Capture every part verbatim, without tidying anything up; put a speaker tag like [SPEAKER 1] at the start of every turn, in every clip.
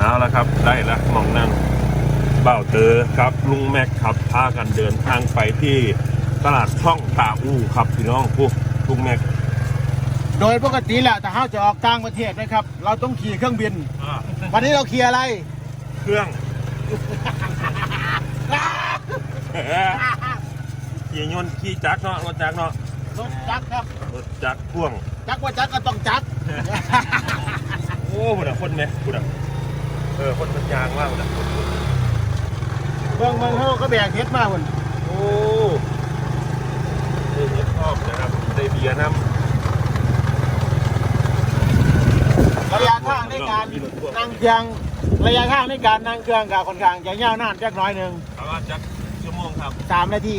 [SPEAKER 1] เอาละครับได้ละมองนั่งเบ้าเตอครับลุงแม็กครับพากันเดินทางไปที่ตลาดช่องตาอูครับพี่น้องผู้ลุงแม็ก
[SPEAKER 2] โดยปกติแหละแต่ถ้าจะออกต่างประเทศนะครับเราต้องขี่เครื่องบินวันนี้เราขี่อะไร
[SPEAKER 1] เครื่องขี่ยนต์ขี่จักรเนาะรถจักรเนาะ
[SPEAKER 2] รถจักรครับ
[SPEAKER 1] รถจักรพ่วง
[SPEAKER 2] จักรว่าจักรก็ต้องจักร
[SPEAKER 1] โอ้บุญอะคนไหมบุญอะเออคนมันยางมากบุญอะ
[SPEAKER 2] เมืองเมืองเขาก็แบกเฮ็ดมาบุญ
[SPEAKER 1] โอ้ได้เฮ็ดชอบนะครับได้เบียร์น้ำ
[SPEAKER 2] ระยะทางในการนั่งเครื่องระยะทางในการนั่งเครื่องกับค่อนข้างจะยาวนานจักน้อยหนึ่ง
[SPEAKER 1] ประมาณจักชั่วโมงครับ
[SPEAKER 2] สามนาที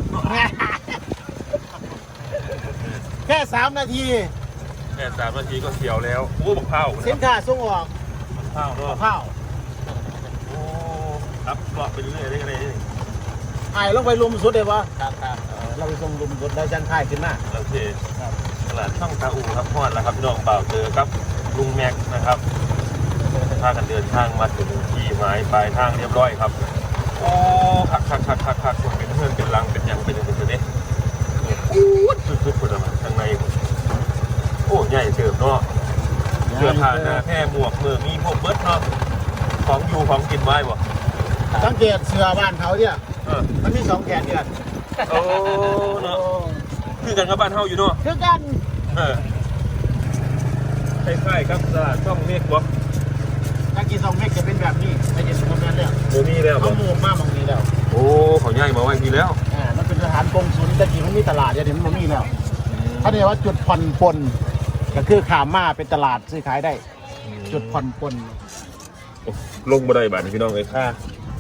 [SPEAKER 2] แค่สามนาที
[SPEAKER 1] แค่สามนาทีก็เสียวแล้วโอ้บักเผา
[SPEAKER 2] สินค้าส่งออก
[SPEAKER 1] บักเผาเนาะ
[SPEAKER 2] บักเผา
[SPEAKER 1] โอ้รับเลาะไปเรื่อยๆได้ไง
[SPEAKER 2] ไอ้ลงไปลุมสุดเลยปะครับครับเราไปส่งลุมสุดแล้วจังค่ายขึ้นมา
[SPEAKER 1] โอเคตลาดช่องตาอูครับพอดแล้วครับพี่น้องบ่าวเจอครับลุงแม็กนะครับพากันเดินทางมาถึงที่หมายปลายทางเรียบร้อยครับโอ้คักคักคักคักคักเป็นเพื่อนเป็นรังเป็นยังเป็นยังเป็นเนี่ยอู้สุดๆคนละทางในโอ้ใหญ่เติมเนาะเสื้อผ้าหน้าแพร่หมวกมือมีพวกเบิร์ดเนาะของอยู่ของกินไว้บ่
[SPEAKER 2] สังเกตเสื้อบ้านเขาเนี่ยมันมีสองแขนเนี่ย
[SPEAKER 1] โอ้เนาะคือกันกับบ้านเฮาอยู่เนาะ
[SPEAKER 2] คือกัน
[SPEAKER 1] เออคล้ายๆครับตลาดช่องเมฆบ่
[SPEAKER 2] ถ้ากินสองเมฆจะเป็นแบบนี้ไม่เห็นตรงนั้นแล้ว
[SPEAKER 1] โมมีแล้ว
[SPEAKER 2] เขาหมู่มากตรงนี้แล้ว
[SPEAKER 1] โอ้เขาใหญ่มาไว้ทีแล้ว
[SPEAKER 2] อ่ามันเป็นสถานกงสุลแต่จริงมันมีตลาดจะเห็นมันมีแล้วเขาเรียกว่าจุดผ่อนปลนก็คือขามมาเป็นตลาดซื้อขายได้จุดผ่อนปลน
[SPEAKER 1] ลงมาได้บาทพี่น้องเลยค่ะ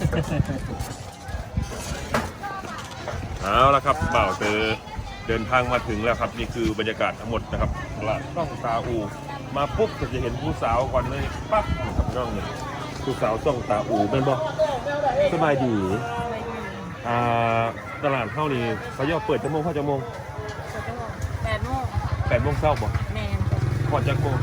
[SPEAKER 1] เอาละครับบ่าวเตอเดินทางมาถึงแล้วครับนี่คือบรรยากาศทั้งหมดนะครับตลาดช่องตาอูมาปุ๊บก็จะเห็นผู้สาวก่อนเลยปั๊บครับน้องเนี่ยผู้สาวช่องตาอูเป็นบ่สบายดีอ่าตลาดเท่านี้เขาย่อเปิดชั่วโมงเข้าชั่วโมง
[SPEAKER 3] แปดโมง
[SPEAKER 1] แปดโมงเช้าบ่
[SPEAKER 3] แม่
[SPEAKER 1] ก่อนจากโมง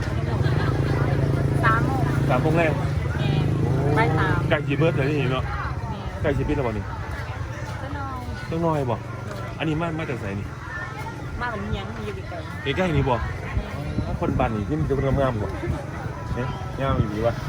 [SPEAKER 3] สามโมง
[SPEAKER 1] สามโมงแรก
[SPEAKER 3] แม่ไปสาม
[SPEAKER 1] ไก่จีเบิร์ดเลยนี่เนาะไก่จีบิดแล้วบ่นี่
[SPEAKER 3] ต้องน้อย
[SPEAKER 1] ต้องน้อยบ่อันนี้มามาจากไหนนี่
[SPEAKER 3] มาเหมือนยังมีอยู่ไกล
[SPEAKER 1] ใกล้ๆนี่บ่คนบ้านนี่ที่มันจะงามๆบ่เนี่ยงามอยู่ดีวะ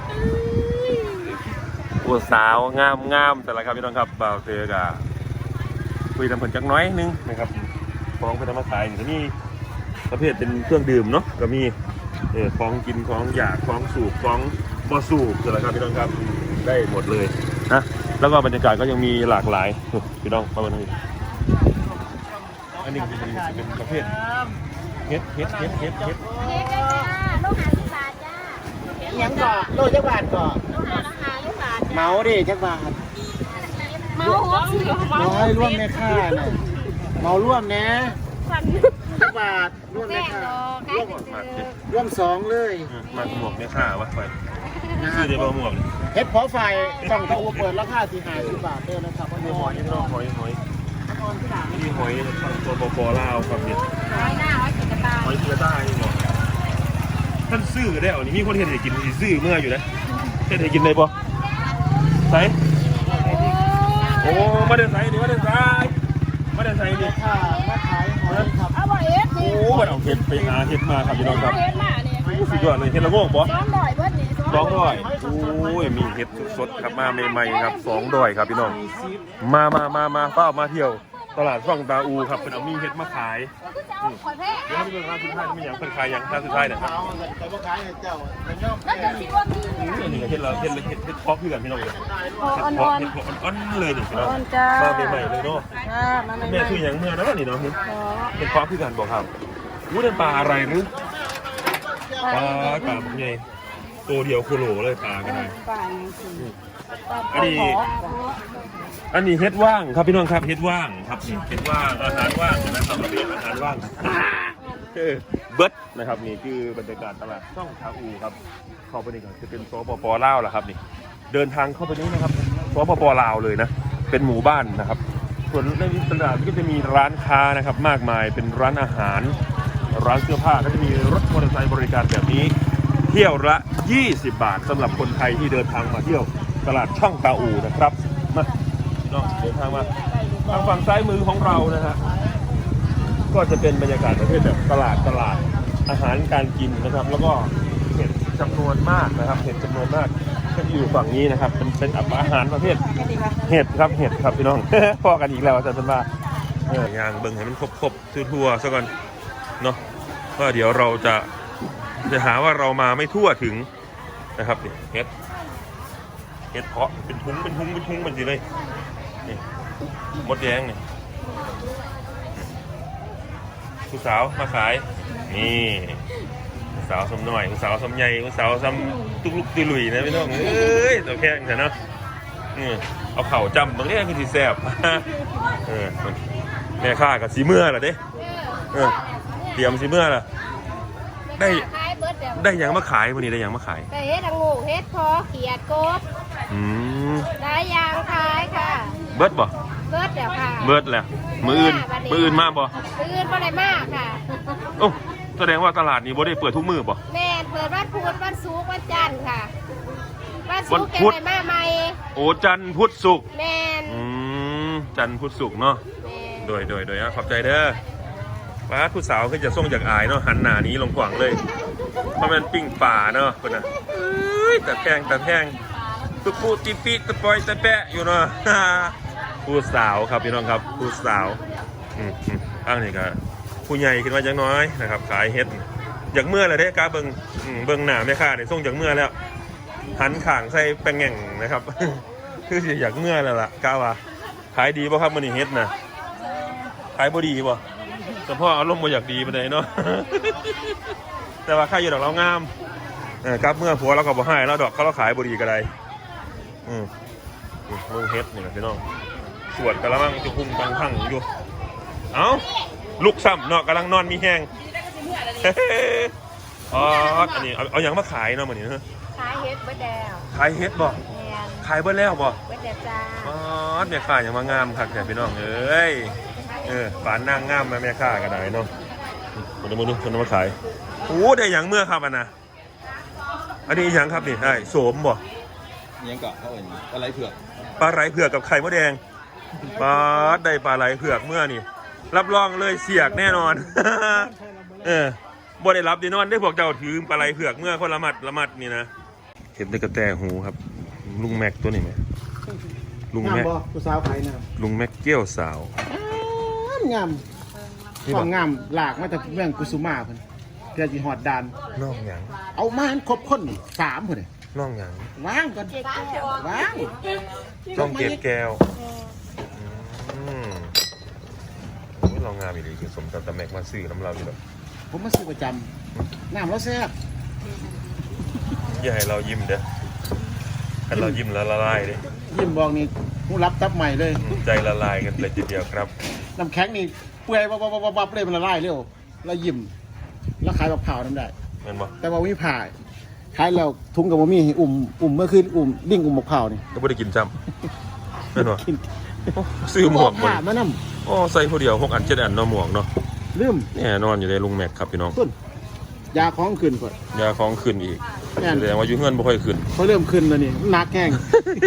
[SPEAKER 1] ผู้สาวงามงามแต่ละครับพี่น้องครับบ่าวเตอกะคุยทำผลจักน้อยนึงนะครับของไปทำมาขายนี่ก็มีประเภทเป็นเครื่องดื่มเนาะก็มีเออของกินของอยากของสูบของบ่สูบแต่ละครับพี่น้องครับได้หมดเลยนะแล้วก็บรรยากาศก็ยังมีหลากหลายพี่น้องประมาณนี้อันนี้เป็นเป็นประเภทเฮ็ดเฮ็ดเฮ็ดเฮ็ดเฮ็ด
[SPEAKER 3] เฮ็ดจ้าโลหะสิบบาทจ้า
[SPEAKER 2] ยังก่อโลจักบาทก่อ
[SPEAKER 3] โลหะราคาลูกบาท
[SPEAKER 2] เมาดิจักบาท
[SPEAKER 3] เมาหัวเสือเมา
[SPEAKER 2] ให้ร่วมแม่ค่าน่ะเมาร่วมนะจักบาทร่วมแม่ค่าร่วมร่วมสองเลย
[SPEAKER 1] มาหมวกแม่ค่าวะไปชื่อเดี๋ยวหมวก
[SPEAKER 2] เฮ็ดพอไฟต้องเขาเปิดราคาสี่ห้าสิบบาทเด้อนะครับว่า
[SPEAKER 1] หอยน้องหอยหอยนี่หอยตัวโบโบลาวครับเนี่ย
[SPEAKER 3] หอยหน้าหอยกีกระต่าย
[SPEAKER 1] หอยกีกระต่ายนี่เนาะท่านซื้อได้เอานี่มีคนเห็นให้กินซื้อเมื่ออยู่นะเห็นให้กินได้ปะใส่โอ้มาเดินใส่ดิมาเดินใส่มาเดินใส่ดิ
[SPEAKER 2] ค่ะมาขายหอยครับ
[SPEAKER 3] อร่อยเอ็ด
[SPEAKER 1] โอ้มันเอาเห็ดไปหาเห็ดมาครับพี่น้องครับสุดยอดเลยเห็ดละโงกปะ
[SPEAKER 3] สองดอยเบิดนี่
[SPEAKER 1] สองดอยโอ้ยมีเห็ดสดๆครับมาใหม่ๆครับสองดอยครับพี่น้องมามามามาเฝ้ามาเที่ยวตลาดช่องตาอูครับเป็นเอามีเห็ดมาขายเดี๋ยวเราไปดูร้านสุดท้ายมีอย่างเป็นขายอย่างร้านสุดท้ายเนี่ยครับ
[SPEAKER 2] แต่ว่าขายเจ้า
[SPEAKER 3] แล้วจะคิดว่า
[SPEAKER 1] มีนี่เห็ดเราเห็ดเห็ดเห็ดพอกพี่กันพี่น้องเลยเห็ดพอกเห็ดพอกอ่อนๆเลยนี่พี่น้องมาใหม่ๆเลยเนาะแม่คืออย่างเมื่อนะนี่เนาะเห็ดพอกพี่กันบอกครับรู้เป็นปลาอะไรหรือปลากาบใหญ่ตัวเดียวโคโลเลยปลากันเลยอันนี้อันนี้เฮ็ดว่างครับพี่น้องครับเฮ็ดว่างครับนี่เฮ็ดว่างอาหารว่างนะครับเราเรียนอาหารว่างเบิร์ดนะครับนี่คือบรรยากาศตลาดช่องตาอูครับเข้าไปนี่ก็จะเป็นสปป.ลาวแหละครับนี่เดินทางเข้าไปนี้นะครับสปป.ลาวเลยนะเป็นหมู่บ้านนะครับส่วนในตลาดก็จะมีร้านค้านะครับมากมายเป็นร้านอาหารร้านเสื้อผ้าก็จะมีรถมอเตอร์ไซค์บริการแบบนี้เที่ยวละยี่สิบบาทสำหรับคนไทยที่เดินทางมาเที่ยวตลาดช่องตาอูนะครับมาเนาะเดินทางมาทางฝั่งซ้ายมือของเรานะฮะก็จะเป็นบรรยากาศประเภทแบบตลาดตลาดอาหารการกินนะครับ แล้วก็เห็ดจำนวนมากนะครับเห็ดจำนวนมากก็อยู่ฝั่งนี้นะครับเป็นเป็นอาหารประเภทเห็ดครับเห็ดครับพี่น้อง พอกันอีกแล้วอาจารย์เป็นว่าเออย่างเบิ่งให้มันครบๆทั่วๆซะก่อนเนาะว่าเดี๋ยวเราจะจะหาว่าเรามาไม่ทั่วถึงนะครับนี่เห็ดเห็ดเพาะเป็นทุ้งเป็นทุ้งเป็นทุ้งมันสิเลยนี่มดแดงนี่ผู้สาวมาขายนี่ผู้สาวสมหน่อยผู้สาวสมใหญ่ผู้สาวสมตุกลุกตุลุยนะพี่น้องเอ้ยตัวแข็งแต่เนาะนี่เอาเข่าจำบางทีคือที่แซ่บเออแม่ข้ากับสีเมื่อล่ะเด้เออเตรียมสีเมื่อล่ะได้ได้ยังมาขายวันนี้ได้ยังมาขาย
[SPEAKER 3] แต่เฮ็ดงูเฮ็ดพอเขียดกบ
[SPEAKER 1] อืม
[SPEAKER 3] ได้ยางขายค่ะ
[SPEAKER 1] เบิร์ดบ่
[SPEAKER 3] เบิดเดี๋ยวค่ะ
[SPEAKER 1] เบิร์ดแหละมืออื่นมืออื่นมาบ่
[SPEAKER 3] มืออื่นบ่ได้มากค่ะ
[SPEAKER 1] โอ้แสดงว่าตลาดนี้บ่ได้เปิดทุกมื้อบ่
[SPEAKER 3] แม่เปิดวันพุธวันศุกร์วันจันทร์ค่ะวัน
[SPEAKER 1] วั
[SPEAKER 3] ศุ
[SPEAKER 1] น
[SPEAKER 3] กร์แก
[SPEAKER 1] พุธ
[SPEAKER 3] ได้มาใหม่
[SPEAKER 1] โอ้จันทร์พุธศุกร์
[SPEAKER 3] แม่น
[SPEAKER 1] อืมจันทร์พุธศุกร์เนาะ
[SPEAKER 3] แม่น
[SPEAKER 1] โดยโดยโดยอ่ะขอบใจเด้อป้าผู้สาวคือจะส่งจากอายเนาะหันหน้านี้ลงขวางเลยเพราะมันปิ้งป่าเนาะคนน่ะเอ้ยแต่แพงแต่แพงตุ๊ปูติปิตะปอยตะแปะอยู่เนาะ ผู้สาวครับพี่น้องครับผู้สาวอืมอืมอ้างนี่ก็ผู้ใหญ่ขึ้นมาจังน้อยนะครับขายเฮ็ดอยากเมื่อเลยเด้กาเบิงอืมเบิงหน้าแม่ค้าเนี่ยส่งจากเมื่อแล้วหันข่างใส่แป้งแง่งนะครับ คือสิอยากเมื่อแล้วล่ะกาว่าขายดีป่ะครับมันนี่เฮ็ดนะขายบ่ดีป่ะแต่พ่ออารมณ์บ่อยากดีปานใดเนาะ แต่ว่าค่าอยู่ดอกเรางามเออกับเมื่อผัวเราก็บ่ให้แล้วดอกเขาเราขายบ่ดีก็ได้อืมมึงเฮ็ดนี่นะพี่น้องสวดกะละมังจะพุ่งตังพังอยู่เอ้าลูกซ้ำเนาะกำลังนอนมีแห้ง อ๋ออันนี้เอาเอาอย่างมาขายเนาะมื้อนี้เนาะ
[SPEAKER 3] ขายเฮ็ดเบิดแล้ว
[SPEAKER 1] ขายเฮ็ดบ่
[SPEAKER 3] แม่น
[SPEAKER 1] ขายเบิดแล้วบ่
[SPEAKER 3] เบิดแล้วจ้า
[SPEAKER 1] อ๋อแม่ค้าอย่างมางามคักแต่พี่น้องเอ้ยเออปานนางงามมาแม่ค้าก็ได้เนาะคนละมื้อนึงคนละมาขายโอ้ได้หยังเมื่อครับอันน่ะอันนี้หยังครับนี่ได้โสมบ่
[SPEAKER 4] ยังเกาะเขาเอ่ยอะไรเผือก
[SPEAKER 1] ปลาไหลเผือกกับไข่มดแดงปลาได้ปลาไหลเผือกเมื่อนี่รับรองเลยเสียกแน่นอน เออบ่ได้รับแน่นอนได้พวกเจ้าถือปลาไหลเผือกเมื่อคนละมัดละมัดนี่นะเห็นได้กระแตหูครับลุงแม็กตัวนี้ไหมลุง
[SPEAKER 2] งาม
[SPEAKER 1] แม็ก
[SPEAKER 2] บ่ผู้สาวขายน้
[SPEAKER 1] ลุงแม็กเกี้ยวสาว
[SPEAKER 2] ำงาม
[SPEAKER 1] นี่
[SPEAKER 2] ควา
[SPEAKER 1] บ่
[SPEAKER 2] มงามหลากมาจากเมืองกุสุมาเพิ่นเพื่อสิฮอดดาน
[SPEAKER 1] น้องหยัง
[SPEAKER 2] เอามาให้ครบคนนี่สามเพิ่นนี่
[SPEAKER 1] น้องหยัง
[SPEAKER 2] วางก่อนวาง
[SPEAKER 1] จ้องเกตแก้วอืมโอ้ยเรางามอีหลีคือสมกับตะแม็กมาซื้อน้ำเราอยู่แล้ว
[SPEAKER 2] ผมมาซื้อประจำน้ำแล้วแซ่บ
[SPEAKER 1] อย่าให้เรายิ้มเด้อให้เรายิ้มแล้วละลายเด้อ
[SPEAKER 2] ยิ้มบอกนี่ผู้รับตับใหม่เลย
[SPEAKER 1] อืมใจละลายกันเลยทีเดียวครับ
[SPEAKER 2] น้ำแข็งนี่เปื่อยวับวับวับวับเลยมันละลายเร็วแล้วยิ้มแล้วขายแบบเผาน้ำได้
[SPEAKER 1] แม่นบ่
[SPEAKER 2] แต่ว่ามีผ่าขายแล้วทุงกับว่ามีอุ่มอุ่มเมื่อคืนอุ่มดิ่งอุ่มมะพร้าวนี่
[SPEAKER 1] ก็ไม่ได้กินจำแม่นบ่
[SPEAKER 2] กิน
[SPEAKER 1] โอ้ซื้อหมวก
[SPEAKER 2] ผ่า
[SPEAKER 1] มัน
[SPEAKER 2] มาน
[SPEAKER 1] โอ้ใส่ผู้เดียวหกอันเจ็ดอันเนาะหมวกเนาะ
[SPEAKER 2] ำลืม
[SPEAKER 1] แน่นอนอยู่ในลุงแม็กครับพี่น้อง
[SPEAKER 2] ต้นยาของขึ้นก่อน
[SPEAKER 1] ยาของขึ้นอีก
[SPEAKER 2] แม่น
[SPEAKER 1] แสดงว่าอยู่เฮือนบ่ค่อยขึ้น
[SPEAKER 2] เขาเริ่มขึ้นแล้วนี่หนักแห้ง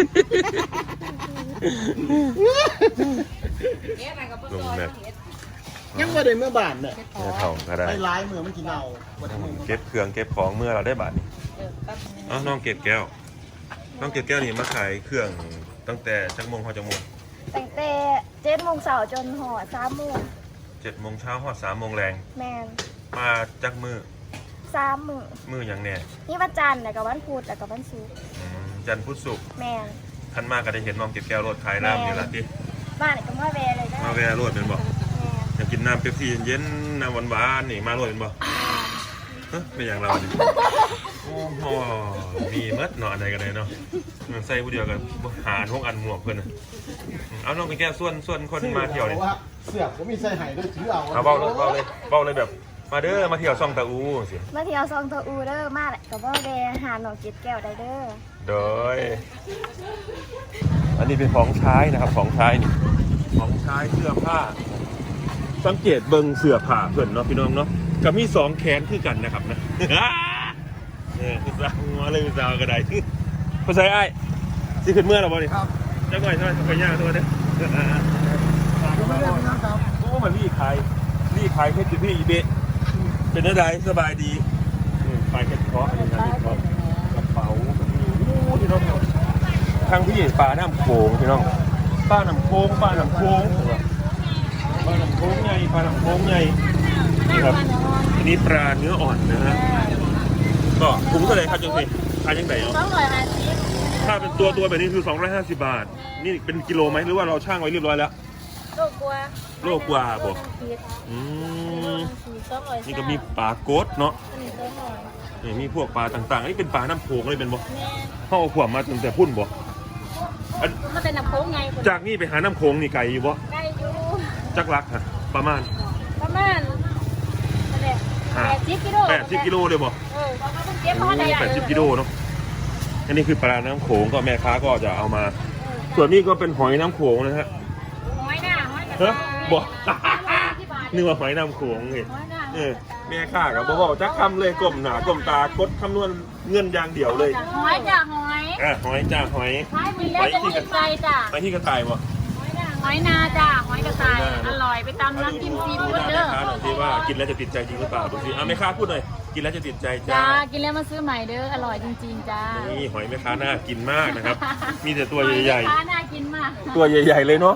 [SPEAKER 1] ลุงแม็ก
[SPEAKER 2] ยังไม่ได้เมื่อบานเนี่ย
[SPEAKER 1] แม่เฒ่าก็ได้
[SPEAKER 2] ไปร้ายเมื่อมันกินเอาวันนี้
[SPEAKER 1] เก็บเครื่องเก็บของเมื่อเราได้บาทนี่อ๋อน้องเก็บแก้วน้องเก็บแก้วนี่มาขายเครื่องตั้งแต่จักโมงฮอดจักโมง
[SPEAKER 3] ตั้งแต่เจ็ดโมงเช้าจนหอดสามโมง
[SPEAKER 1] เจ็ดโมงเช้าฮอดสามโมงแรง
[SPEAKER 3] แมน
[SPEAKER 1] มาจักมือ
[SPEAKER 3] สามมื้อ
[SPEAKER 1] มือหยังแน่
[SPEAKER 3] นี่วันจันทร์แล้วก็วันพุธแล้วก็วันศุกร์
[SPEAKER 1] อืมจันทร์พุธศุกร์
[SPEAKER 3] แมน
[SPEAKER 1] ท่านมาก็ได้เห็นน้องเก็บแก้วรถขายน้ำอยู่ละติ
[SPEAKER 3] บ้านนี่ก็มาแวะเลยได้
[SPEAKER 1] มาแวะรถเป็นบ่
[SPEAKER 3] แมน
[SPEAKER 1] อยากกินน้ำเป๊ปซี่เย็นๆน้ำหวานๆนี่มารถเป็นบ่เฮ้ยเป็นอย่างเราเนี่ยโอ้โหมีมัดเนาะอะไรกันเลยเนาะใส่ผู้เดียวกันหาทุกอันหมวกเพื่อนน่ะเอาน้องไปแก้ส่วนส่วนคนมาเที่ยวนี่
[SPEAKER 2] ว่าเสือกผมมีใส่ไห้ด้วยถือเอา
[SPEAKER 1] เอาเบ้าเลยเบ้าเลยเบ้าเลยแบบ มาเด้อมาเที่ยวซ่องตะอูสิ
[SPEAKER 3] มาเที่ยวซองตะอูเด้อมาแหละก็บ่แวะหาหนองเก็ดแก้วได้เด้อ
[SPEAKER 1] โดยอันนี้เป็นของใช้นะครับของใช้นี่ของใช้เสื้อผ้า สังเกตเบิ่งเสื้อผ้าเพื่อนเนาะพี่น้องเนาะกับมีสองแขนคือกันนะครับนะ เเนี่ยผู้สาวหัวเลยผู้สาวกระไดผู้ชายไอ้สิขึ้นเมื่อหรอบ่นี่ครับจังหน่อยจังหน่อยไปย่างตัวเด้อโอ้มันรีขายรีขายเพชรอยู่พี่อีเบะเป็นอะไรสบายดีขายเพชรเพาะอะไรนะเพาะกระเป๋าแบบนี้โอ้ที่น้องทางพี่ปลาน้ำโขงพี่น้องปลาน้ำโขงปลาน้ำโขงปลาน้ำโขงใหญ่ปลาน้ำโขงใหญ่นี่ครับอันนี้ปลาเนื้ออ่อนนะฮะก็ถุงเท่าไหร่ครับจังสิขายยังไงเนาะ
[SPEAKER 3] สองร้อยห้าสิบ
[SPEAKER 1] ถ้าเป็นตัวตัวแบบนี้คือสองร้อยห้าสิบบาทนี่เป็นกิโลไหมหรือว่าเราช่างไว้เรียบร้อยแล้ว
[SPEAKER 3] โลกว่า
[SPEAKER 1] โลกว่าบ่อืมนี่ก็มีปลาโกดเนาะนี่มีพวกปลาต่างๆนี่เป็นปลาน้ำโขงเลยเป็นบ่เข้าขวบมาตั้งแต่พุ่นบ่
[SPEAKER 3] มันเป็นน้ำโค้งไง
[SPEAKER 1] จากนี่ไปหาน้ำโขงนี่ไกลอยู่บ่
[SPEAKER 3] ได้อยู่
[SPEAKER 1] จักรักฮะประมาณ
[SPEAKER 3] ประมาณแปดสิบกิโล
[SPEAKER 1] แปดสิบกิโลเลยบ่
[SPEAKER 3] เออเขาเพิ่งเก็บมาได้
[SPEAKER 1] แปดสิบกิโลเนาะอันนี้คือปลาน้ำโขงก็แม่ค้าก็จะเอามา ส่วนนี้ก็เป็นหอยน้ำโขงนะฮะ
[SPEAKER 3] หอยหน้าหอยกระ
[SPEAKER 1] เฮ้ยบ่
[SPEAKER 3] ที่บาท
[SPEAKER 1] นึกว่าหอยน้ำโขงไง
[SPEAKER 3] หอยหน้า
[SPEAKER 1] เออแม่ค้ากับบ่บอกจักคำเลยก้มหน้าก้มตากดคำนวณเงินอย่างเดียวเลย
[SPEAKER 3] หอยจ้ะหอย
[SPEAKER 1] อ่ะหอยจ้าหอย
[SPEAKER 3] หอยมีแล้วจะติดใจจ้ะ
[SPEAKER 1] ไปที่กระต่ายบ่
[SPEAKER 3] หอยนาจ้ะหอยกระต่ายอร่อยไปตำน้ำจิ้มซี
[SPEAKER 1] ดู
[SPEAKER 3] ฟู้ด
[SPEAKER 1] หน้า
[SPEAKER 3] เด้
[SPEAKER 1] แม่
[SPEAKER 3] อ
[SPEAKER 1] ค้าหน่อยสิว่ากินแล้วจะติดใจจริงหรือเปล่าดูสิอ่ะแม่ค้าพูดหน่อยกินแล้วจะติดใจจ้า
[SPEAKER 3] จ้ากินแล้วมาซื้อใหม่เด้ออร่อยจริงๆจ้า
[SPEAKER 1] นี่หอยแม่ค้าน่ากินมากนะครับ มีแต่ตัวใหญ่
[SPEAKER 3] หอยน่ากินมาก
[SPEAKER 1] ๆ ตัวใหญ่ๆเลยเนาะ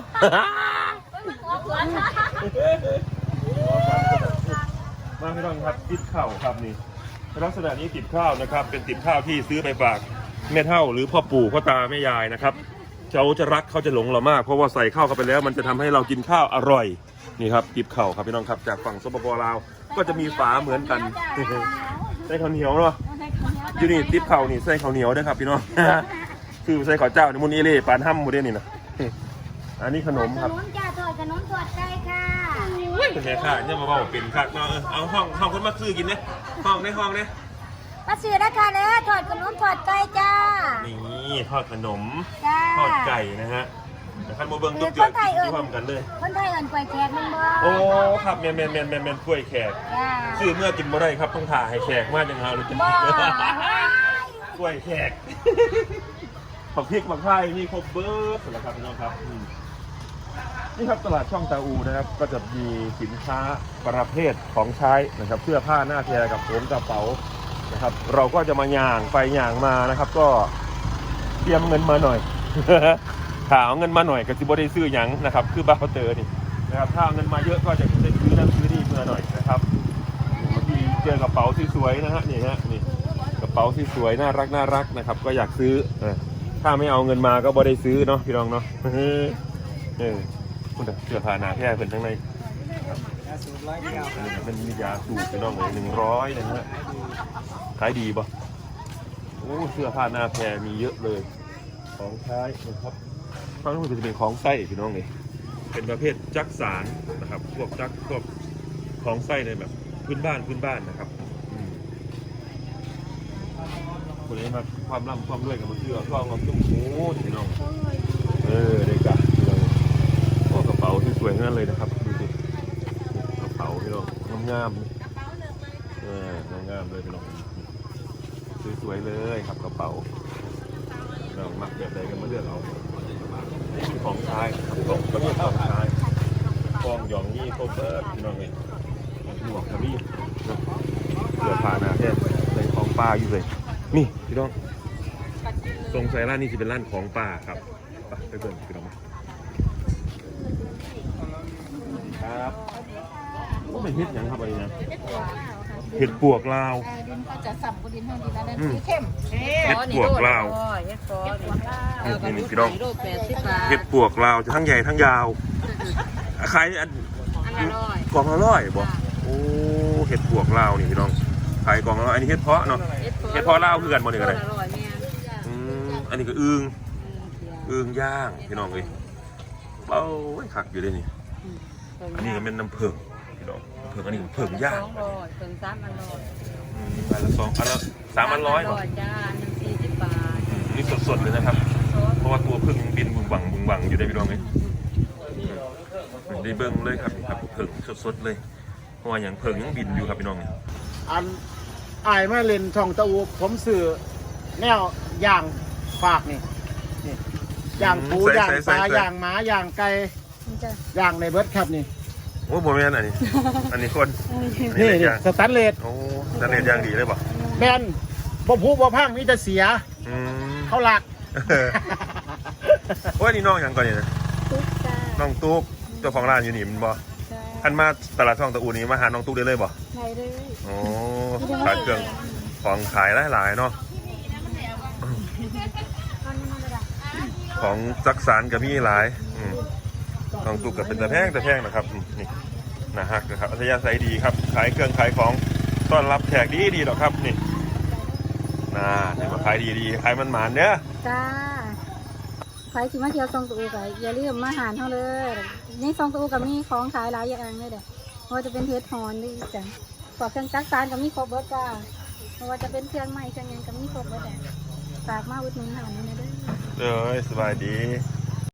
[SPEAKER 1] มาพี่น้องครับติดข้าวครับนี่ลักษณะนี้ติดข้าวนะครับ เป็นติดข้าวที่ซื้อไปฝากแม่เฒ่าหรือพ่อปู่พ่อตาแม่ยายนะครับเขาจะรักเขาจะหลงเรามากเพราะว่าใส่ข้าวเข้าไปแล้ว มันจะทำให้เรากินข้าวอร่อยนี่ครับติดข้าวครับพี่น้องครับจากฝั่งสปปลาวก็จะมีฝาเหมือนกันใส่ข้าวเหนียวเนาะอยู่นี่ติดข้าวนี่ใส่ข้าวเหนียวด้วยครับพี่น้อง คือใส่ข้าวเจ้าในมุนเอเล่ปานห้ำหมดเลยนี่นะอันนี้ขนมครับ
[SPEAKER 3] ขนมจ้าทอดขนมทอดไก่ค่ะ
[SPEAKER 1] เป็นไงค่ะเนี่ยมาบอกเป็นคักเนาะเออเอาห้องห้องคนมาซื้อกินเนี่ยห้องในห้องเนี่ย
[SPEAKER 3] มาซื้อนะคะเด้อทอดขนมทอดไก่จ้า
[SPEAKER 1] นี่ทอดขนม
[SPEAKER 3] จ้า
[SPEAKER 1] ทอดไก่นะฮะแต่ขั้นโมเบิ้งตุ๊กเจือที่พร้อมกันเลย
[SPEAKER 3] คนไทยเอิ้นกล้วยแขกมันบ่
[SPEAKER 1] โอ้ครับแมนแมนแมนแมนแมนกล้วยแขก
[SPEAKER 3] จ้า
[SPEAKER 1] ซื้อเมื่อกินบ่ได้ครับต้องถ่าให้แขกมากจังเอาเลยกิน
[SPEAKER 3] บ่
[SPEAKER 1] กล้วยแขกผักพริกผักไทยนี่ครบเบิร์ดสำหรับครับพี่น้องครับอืมนี่ครับตลาดช่องตาอูนะครับก็จะมีสินค้าประเภทของใช้นะครับเสื้อผ้าหน้าแพรกับผมกระเป๋านะครับเราก็จะมาย่างไปย่างมานะครับ ก็เตรียมเงินมาหน่อย ถ้าเอาเงินมาหน่อยก็สิบ่ได้ซื้อหยังนะครับคือบ้าเตอร์นี่นะครับถ้าเอาเงินมาเยอะก็จะได้ซื้อนั่นซื้อนี่มาหน่อยนะครับบางทีเจอกระเป๋าสวยๆนะฮะนี่ฮะนี่กระเป๋าสวยๆน่ารักน่ารักนะครับก็อยากซื้อเออถ้าไม่เอาเงินมาก็บ่ได้ซื้อเนาะพี่น้องเนาะเออคุณเสื้อผ้าหนาแพร่เป็นทั้งในมันมียาสูบพี่น้องเลยหนึ่งร้อยนะฮะขายดีป่ะโอ้เสื้อผ้าหน้าแพรมีเยอะเลยของใช้นะครับฟังดูจะเป็นของไส้พี่น้องเลยเป็นประเภทจักสารนะครับพวกจักพวกของไส้ในแบบพื้นบ้านพื้นบ้านนะครับคนนี้มาความร่ำความรวยกับมันเสื้อก็เอาตุ้มโอ้พี่น้องเออได้กะโอ้กระเป๋าที่สวยงั้นเลยนะครับดูสิกระเป๋าพี่น้องงามๆเอองามๆเลยพี่น้องสวยๆเลยครับกระเป๋าเรามักแบบใดกันมาเลือกเอานี่ของใช้ครับของประเภทของใช้กองหยองนี่โคเบอร์พี่น้องเลยหมวกกระบี่เสื้อผ้าหน้าแท้ในของป้าอยู่เลยนี่พี่น้องตรงไซร้านนี่จะเป็นร้านของป้าครับไปเบิ่งพี่น้องมาครับก็เป็นเห็ดอย่างครับอะไรนะเห็ดปวกลาว
[SPEAKER 3] ดินก็จะสับกดินเท่าดินแล้วนั่นสีเข้ม
[SPEAKER 1] เห็ดปวกลาว
[SPEAKER 3] เฮ็ดฟอนี่
[SPEAKER 1] นี่พี่น้อง
[SPEAKER 3] โลแปดสิบบาท
[SPEAKER 1] เห็ดปวกลาวจะทั้งใหญ่ทั้งยาวขายอัน
[SPEAKER 3] อันละร้อย
[SPEAKER 1] กล่องละร้อยบ่โอ้เห็ดปวกลาวนี่พี่น้องขายกล่องละร้อยอันนี้เห็ดเพาะเนาะเห็ดเพาะลาวคือกันบ่นี่ก็ได้
[SPEAKER 3] อร่อยแม่
[SPEAKER 1] อืมอันนี้ก็อึ่งอึ่งย่างพี่น้องเอ้ยเบ้าคักอยู่เลยนี่อันนี้ก็เป็นน้ำผึ้งพี่น้องเผึ้งอันนี้ผึ้งย่าง
[SPEAKER 3] สองร้อยถึงสามอันร้อย
[SPEAKER 1] อืมอันละสองอันละสามอันร้อยบ่
[SPEAKER 3] จ้าหนึ่งสี่สิบบาท
[SPEAKER 1] นี่สดๆเลยนะครับ เพราะว่าตัวผึ้งบินบุงบังบุงบังอยู่ได้พี่น้องเอ้ยได้เบิ้งเลยครับครับผึ้งสดๆเลยเพราะว่าอย่างผึ้งยังบินอยู่ครับพี่น้อง
[SPEAKER 2] อันอายมาเล่นช่องตะอูผมสื่อแนวย่างฝากนี่นี่ย่างปูย่างปลาย่างหมาย่างไก่
[SPEAKER 3] มันจะ
[SPEAKER 2] ย่างในเบิร์ดครับนี่
[SPEAKER 1] โอ้โหแม่นอันนี้ อันนี้คน
[SPEAKER 2] นี่นี่สแตนเลส
[SPEAKER 1] โอ้สแตนเลสย่างดีเลยป่ะ
[SPEAKER 2] แบนบ่พูบ่พังนี่จะเสีย
[SPEAKER 1] อืม
[SPEAKER 2] เขาหลัก
[SPEAKER 1] โอ้ยนี่น้องอย่างก่อนนี่นะ
[SPEAKER 3] ตุ๊กตา
[SPEAKER 1] น้องตุ๊กเจ้าของร้านอยู่นี่มันบ่
[SPEAKER 3] จ้า
[SPEAKER 1] อันมาตลาดช่องตะอูนี่มาหาน้องตุ๊กได้เลยบ่
[SPEAKER 3] ไหนเลย
[SPEAKER 1] โอ้ขายเครื่องของขายหลายๆเนาะของจักสารกับมีหลายอืมน้องตุ๊กกับเป็นตะแพงตะแพงนะครับอืมนี่นะฮะนะครับอัธยาศัยดีครับขายเครื่องขายของต้อนรับแขกดีดีหรอกครับนี่น่าเนี่ยมาขายดีดีขายมันหมานเนี้ย
[SPEAKER 3] จ้าใครที่มาเที่ยวซองตูก็อย่าลืมมาหารเท่าเลยนี่ซองตูกับมีของขายหลายอย่างเลยเด้อเพราะว่าจะเป็นเทสฮอนด้วยจ้ะพวกเครื่องจักรสานกับมีครบเบิร์ดจ้าเพราะว่าจะเป็นเครื่องใหม่เครื่องยังกับมีครบเบิร์ดแหละฝากมาอุดหนุนหาหน่อยนะเด้อ
[SPEAKER 1] เอ้ยสบายดี
[SPEAKER 3] จ